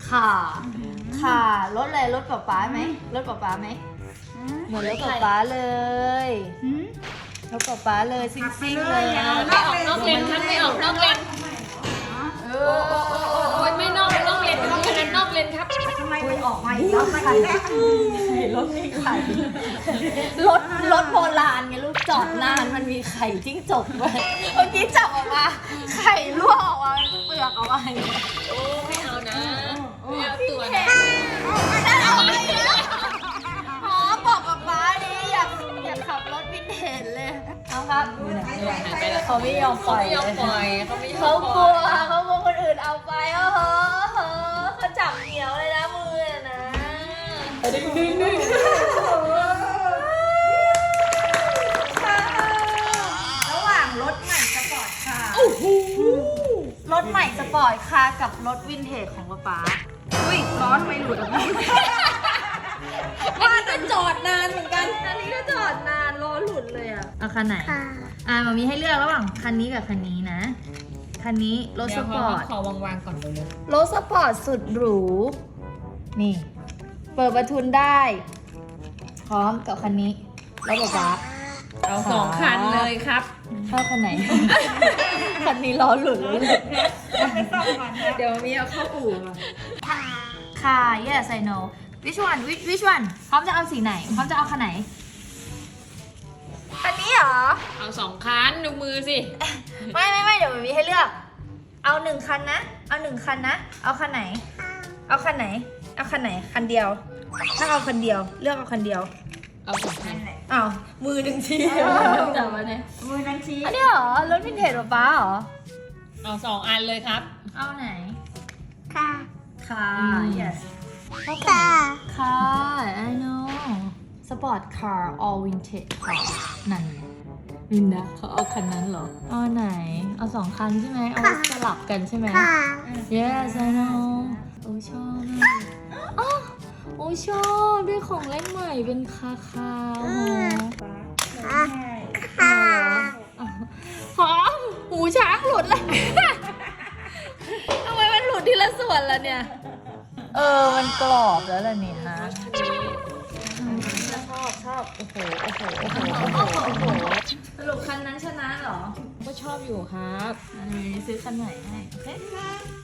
ค่ะรถอะไรรถป๊าไหมรถป๊าไหมเหมือนรถป๊าเลยรถป๊าเลยซิ่งๆเลยไม่ออกนอกเลนครับไม่ออกนอกเลนโอ้ยไม่นอกเลนครับไม่เล่นนอกเลนครับทำไมไม่ออกมาอีกแล้วไม่ได้รถมีไข่รถโบราณไงลูกจอดนานมันมีไข่จิ้งจกไว้เมื่อกี้จับออกมาไข่ร่วงออกมาเปลือกออกมาโอ้ไม่เอานะไม่เอาตัวนะเอาไปแล้วอ๋อบอกป๊าดิอยากขับรถวินเทจเลยเอาครับเขาไม่ยอมปล่อยไม่ยอมปล่อยเขาไม่ยอเขามกปลัล่วอยเขากลัวคนอื่นเอาไปเขาจับเหนียวเลยนะมือนะระหว่างรถใหม่สปอร์ตคาร์รถใหม่สปอร์ตคาร์กับรถวินเทจของป๊าอุ้ยร้อนไม่หลุดอ่ะพี่ว่าจะจอดนานเหมือนกันอันนี้ก็จอดนานล้อหลุดเลยอ่ะเอาคันไหนมันมีให้เลือกระหว่างคันนี้กับคันนี้นะคันนี้รถสปอร์ตขอวางก่อนเลยรถสปอร์ตสุดหรู นี่ เปิดประทุนได้ พร้อมกับคันนี้ แล้วป๊าเอา2 คันเลยครับชอบคันไหน คันนี้ล้อหลุดเลยไม่ต้องก่อนนะเดี๋ยวมีเอาเข้าอู่ค่ะ yes I know which one which one พร้อมจะเอาสีไหน พร้อมจะเอาคันไหน คันนี้เหรอเอา2 คันดูมือสิไม่เดี๋ยวมันมีให้เลือก เอา1 คันนะ เอา1 คันนะ เอาคันไหน เอาคันไหน เอาคันไหน คันเดียว ถ้าเอาคันเดียว เลือกเอาคันเดียวเอา2 คันอ้าว มือหนึ่งชี้จับมาเนี่ยมือนั้นชี้อันนี้เหรอ รถวินเทจป๊าเหรอเอา2 อันเลยครับเอาไหนค่ะค่ะ yes ค่ะค่ะ I know sport car all vintage car นั่นไงวินนะเขาเอาคันนั้นเหรอ เอาไหน เอา2 คันใช่ไหมเอาสลับกันใช่ไหม yes I know โอ้ชอบมากอ๋อโอ้ชอบด้วยของเล่นใหม่เป็นคาโอ้โห หอมหูช้างหลุดเลย ทำไมมันหลุดทีละส่วนล่ะเนี่ย มันกรอบแล้วล่ะเนี่ยนะชอบ โอ้โหสรุปคันนั้นชนะเหรอก็ชอบอยู่ครับซื้อคันไหนให้ โอเค